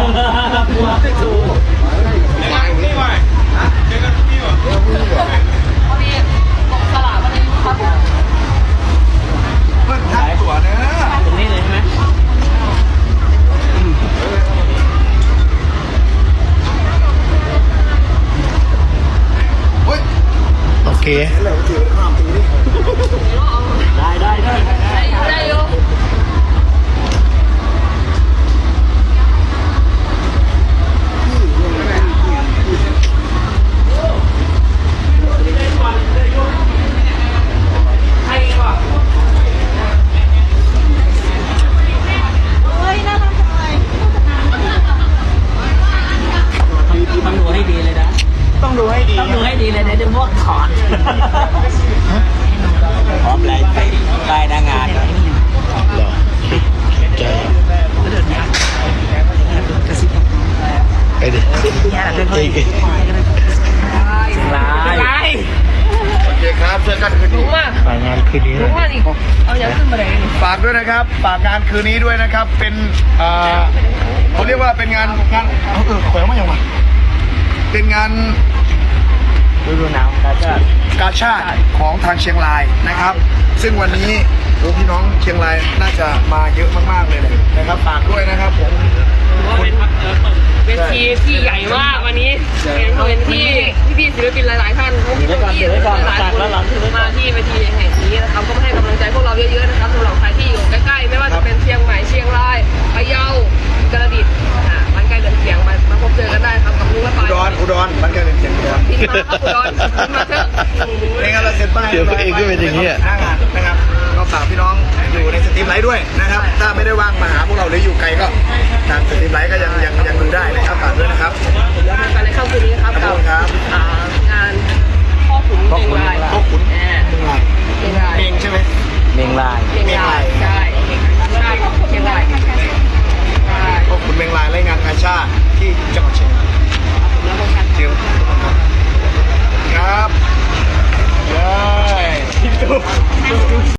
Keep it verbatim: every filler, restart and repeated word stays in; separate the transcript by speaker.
Speaker 1: นี่ว่ะเจอกันที่นี่ว่ะ
Speaker 2: พอดีตกสลากวันนี้ครับ
Speaker 1: เพิ่งทักตัวเนอะ
Speaker 3: ตรงนี้เลยใช่ไหมโอเคได้ได้ได้
Speaker 2: ได้อยู่
Speaker 3: ต้องดูให้ดีเลยนะ
Speaker 1: ต้องดูให้ดี
Speaker 3: ต้องดูให้ดีเลยนะเดี๋ยวพวกถอนพร้อมลายใส่ลายหน้างานเหรอใจไปดิเฮ้ยลาย
Speaker 1: โอเคครับเจอกันคืนนี้
Speaker 3: ฝากงานคืนนี้
Speaker 2: รู้ว่าดิเอาอย่างขึ้นมาเลย
Speaker 1: ฝากด้วยนะครับฝากงานคืนนี้ด้วยนะครับเป็นอ่าเขาเรียกว่าเป็นงานงานเอาเออแขวนมาอย่างไรเป็นงาน
Speaker 3: ฤดูหนาวกาชาด
Speaker 1: กาชาดของทางเชียงรายนะครับซึ่งวันนี้พี่น้องเชียงรายน่าจะมาเยอะมากๆเลยนะครับฝากด้วยนะครับผม
Speaker 2: เวทีที่ใหญ่มากวันนี้เป็นเวทีที่พี่ศิลปินหลายๆท่านพี่พี่หลายคนมาที่เวทีแห่งนี้นะครับก็มาให้กำลังใจพวกเราเยอะๆนะครับสำหรับใครที่อยู่ใกล้ๆไม่ว่าจะเป็นเชียงใหม่เชียงรายพะเยากระดิ่งบ้านใกล้เดินเสียงมามาพบเจอกันได้ครับกับลุงและปาย
Speaker 1: อุดรอุดรบ้านใกล้เดินเสียงอุดร
Speaker 2: ที่มาครับอุดรมาเถอะ
Speaker 1: เองเราเซ็นป้าย
Speaker 3: เดี๋ยวเองก็เป็นอย่างนี้
Speaker 1: หน้างานนะครับก็ฝากพี่น้องอยู่ในสตรีมไลท์ด้วยนะครับถ้าไม่ได้ว่างมาหาพวกเราหรืออยู่ไกลก็ทางสตรีมไลท์ก็ยังยังยังดูได้นะครับฝากด้วยนะครับ
Speaker 2: แล้วมากันในค่ำคืนนี้ครับกับงานพ่อขุนเมงลาย
Speaker 1: พ่อขุนเมงลาย
Speaker 2: เมงลาย
Speaker 1: เมงใช่ไหม
Speaker 3: เมงลาย
Speaker 2: เมงลายใช่ใช่เมงลาย
Speaker 1: พ่อขุนเมงลายและงานกาชาดที่จังหวัดเชียงราย